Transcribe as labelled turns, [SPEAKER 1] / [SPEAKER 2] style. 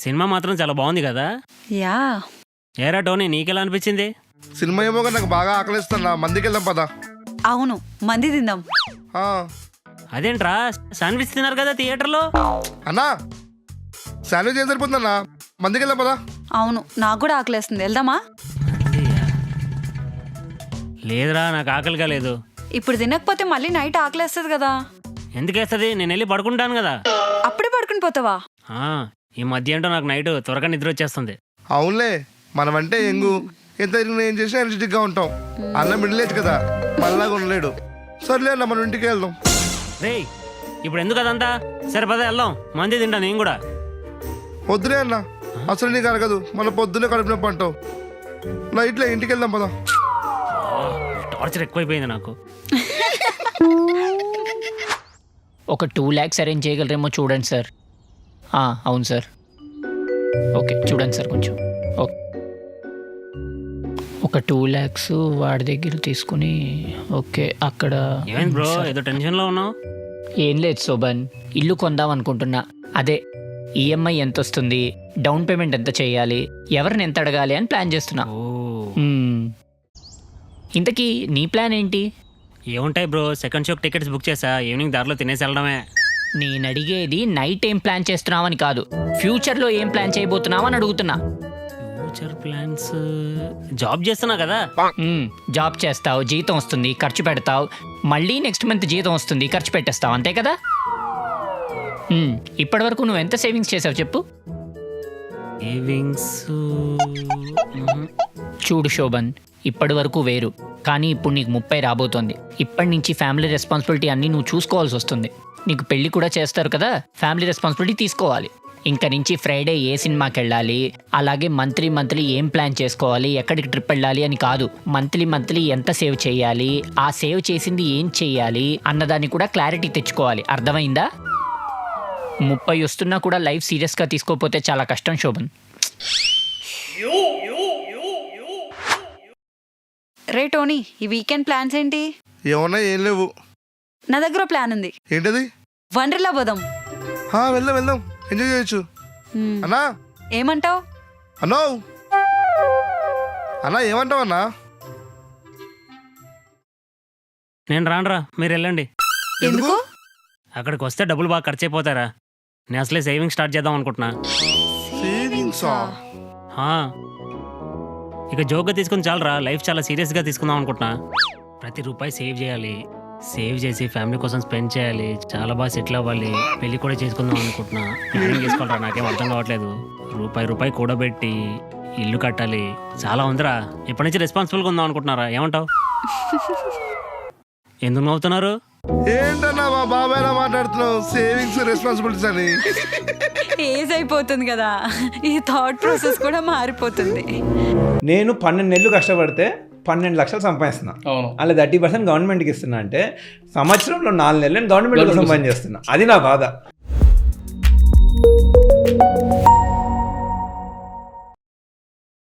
[SPEAKER 1] Cinema మాత్రం చాలా బాగుంది కదా.
[SPEAKER 2] యా.
[SPEAKER 1] ఏరా టోనీ, నీకెలా అనిపించింది?
[SPEAKER 3] సినిమా ఏమో కానీ నాకు బాగా ఆకలిస్తున్నా, మందికి వెళ్దాం పదా.
[SPEAKER 2] అవును, మంది తిందాం.
[SPEAKER 1] అదేంట్రా, శాండ్విచ్ తిన్నారు కదా థియేటర్లో.
[SPEAKER 3] అన్నా శాండ్విచ్ ఏం సరిపోతుందన్నా, మందికి వెళ్దాం పదా.
[SPEAKER 2] అవును, నాకు కూడా ఆకలేస్తుంది, వెళ్దామా?
[SPEAKER 1] లేదురా, నాకు ఆకలిగా లేదు.
[SPEAKER 2] ఇప్పుడు తినకపోతే మళ్ళీ నైట్ ఆకలేస్తుంది కదా.
[SPEAKER 1] ఎందుకేస్తుంది? నేను వెళ్ళి పడుకుంటాను కదా.
[SPEAKER 2] అప్పుడే పడుకుని పోతావా?
[SPEAKER 1] ఈ మధ్య ఏంటో నాకు నైట్ త్వరగా నిద్ర వచ్చేస్తుంది.
[SPEAKER 3] అవునులే, మనమంటే ఎంగు ఎంత ఏం చేసినా ఎనర్జెటిక్ గా ఉంటాం. అన్న మిడిల్ ఏజ్ కదా, మళ్ళాగా ఉండలేడు. సర్లే అన్న, మనం ఇంటికి వెళ్దాం.
[SPEAKER 1] రే, ఇప్పుడు ఎందుకు అదంతా? సరే పద వెళ్దాం, మంది తింటా నేను కూడా.
[SPEAKER 3] వద్దులే అన్న, అసలు నీకు అరగదు, మన పొద్దున్నే కడుపు నొప్పి అంటావు. నైట్లో ఇంటికి వెళ్దాం పదా.
[SPEAKER 1] టార్చర్ ఎక్కువైపోయింది నాకు.
[SPEAKER 4] ఒక 2 lakhs అరేంజ్ చేయగలరేమో చూడండి సార్. అవును సార్. ఓకే చూడండి సార్ కొంచెం. ఓకే, ఒక 2 lakhs వాడి దగ్గర తీసుకుని. ఓకే, అక్కడ
[SPEAKER 1] ఏమైంది బ్రో, ఏదో టెన్షన్లో ఉన్నావు?
[SPEAKER 4] ఏం లేదు శోభన్, ఇల్లు కొందాం అనుకుంటున్నా. అదే ఈఎంఐ ఎంత వస్తుంది, డౌన్ పేమెంట్ ఎంత చేయాలి, ఎవరిని ఎంత అడగాలి అని ప్లాన్ చేస్తున్నా. ఇంతకీ నీ ప్లాన్ ఏంటి?
[SPEAKER 1] ఏముంటాయి బ్రో, సెకండ్ షోకి టికెట్స్ బుక్ చేసా, ఈవినింగ్ దారిలో తినేసి వెళ్ళడమే.
[SPEAKER 4] నేను అడిగేది నైట్ ఏం ప్లాన్ చేస్తున్నావని కాదు, ఫ్యూచర్లో ఏం ప్లాన్ చేయబోతున్నావని అడుగుతున్నా.
[SPEAKER 1] ఫ్యూచర్ ప్లాన్స్, జాబ్ చేస్తున్నా కదా.
[SPEAKER 4] జాబ్ చేస్తావు, జీతం వస్తుంది, ఖర్చు పెడతావు, మళ్ళీ నెక్స్ట్ మంత్ జీతం వస్తుంది, ఖర్చు పెట్టేస్తావు, అంతే కదా. ఇప్పటి వరకు నువ్వు ఎంత సేవింగ్స్ చేసావు చెప్పు.
[SPEAKER 1] సేవింగ్స్
[SPEAKER 4] చూడు శోభన్, ఇప్పటి వరకు వేరు, కానీ ఇప్పుడు నీకు 30 రాబోతోంది. ఇప్పటి నుంచి ఫ్యామిలీ రెస్పాన్సిబిలిటీ అన్నీ నువ్వు చూసుకోవాల్సి వస్తుంది. నీకు పెళ్ళి కూడా చేస్తారు కదా, ఫ్యామిలీ రెస్పాన్సిబిలిటీ తీసుకోవాలి. ఇంక నుంచి ఫ్రైడే ఏ సినిమాకి వెళ్ళాలి, అలాగే మంత్లీ ఏం ప్లాన్ చేసుకోవాలి, ఎక్కడికి ట్రిప్ వెళ్ళాలి అని కాదు, మంత్లీ ఎంత సేవ్ చేయాలి, ఆ సేవ్ చేసింది ఏం చేయాలి అన్నదాన్ని కూడా క్లారిటీ తెచ్చుకోవాలి. అర్థమైందా? 30 వస్తున్నా కూడా లైఫ్ సీరియస్గా తీసుకోకపోతే చాలా కష్టం శోభన్.
[SPEAKER 2] రే టోనీ, ఈ వీకెండ్ ప్లాన్స్ ఏంటి?
[SPEAKER 3] ఏమన్నా ఏం లేవు.
[SPEAKER 2] నా దగ్గర ప్లాన్ ఉంది.
[SPEAKER 3] ఏంటది?
[SPEAKER 2] వండర్లా పోదాం.
[SPEAKER 3] వెళ్దాం వెళ్దాం, ఎంజాయ్ చేయొచ్చు. అన్నా
[SPEAKER 2] ఏమంటావు?
[SPEAKER 3] అన్నా అన్నా ఏమంటావు అన్నా?
[SPEAKER 1] నేను రానురా, మీరు వెళ్ళండి.
[SPEAKER 2] ఎందుకు?
[SPEAKER 1] అక్కడికి వస్తే డబ్బులు బాగా ఖర్చు అయిపోతారా. నేను అసలే సేవింగ్ స్టార్ట్ చేద్దాం అనుకుంటున్నా.
[SPEAKER 3] సేవింగ్సా?
[SPEAKER 1] ఇక జోక్గా తీసుకుని చాలరా, లైఫ్ చాలా సీరియస్గా తీసుకుందాం అనుకుంటున్నా. ప్రతి రూపాయి సేవ్ చేయాలి, సేవ్ చేసి ఫ్యామిలీ కోసం స్పెండ్ చేయాలి, చాలా బాగా సెటిల్ అవ్వాలి, పెళ్లి కూడా చేసుకుందాం అనుకుంటున్నా. ప్లానింగ్ చేసుకోవాలరా, నాకేం అర్థం కావట్లేదు. రూపాయి కూడబెట్టి ఇల్లు కట్టాలి, చాలా ఉందిరా. ఇప్పటి నుంచి రెస్పాన్సిబుల్గా ఉందాం అనుకుంటున్నారా, ఏమంటావు? ఎందుకు నవ్వుతున్నారు?
[SPEAKER 3] ఏంటన్నా మా బాబాయ్లా మాట్లాడుతున్నావు, సేవింగ్స్ రెస్పాన్సిబిలిటీస్ అని?
[SPEAKER 2] ఏజ్ అయిపోతుంది కదా, ఈ థాట్ ప్రాసెస్ కూడా మారిపోతుంది.
[SPEAKER 5] నేను 12 నెలలు కష్టపడితే 12 లక్షలు సంపాదిస్తున్నా. అలా 30% గవర్నమెంట్కి ఇస్తున్నా అంటే సంవత్సరంలో 4 నెలలు గవర్నమెంట్ సంపాదన చేస్తున్నా. అది నా బాధ.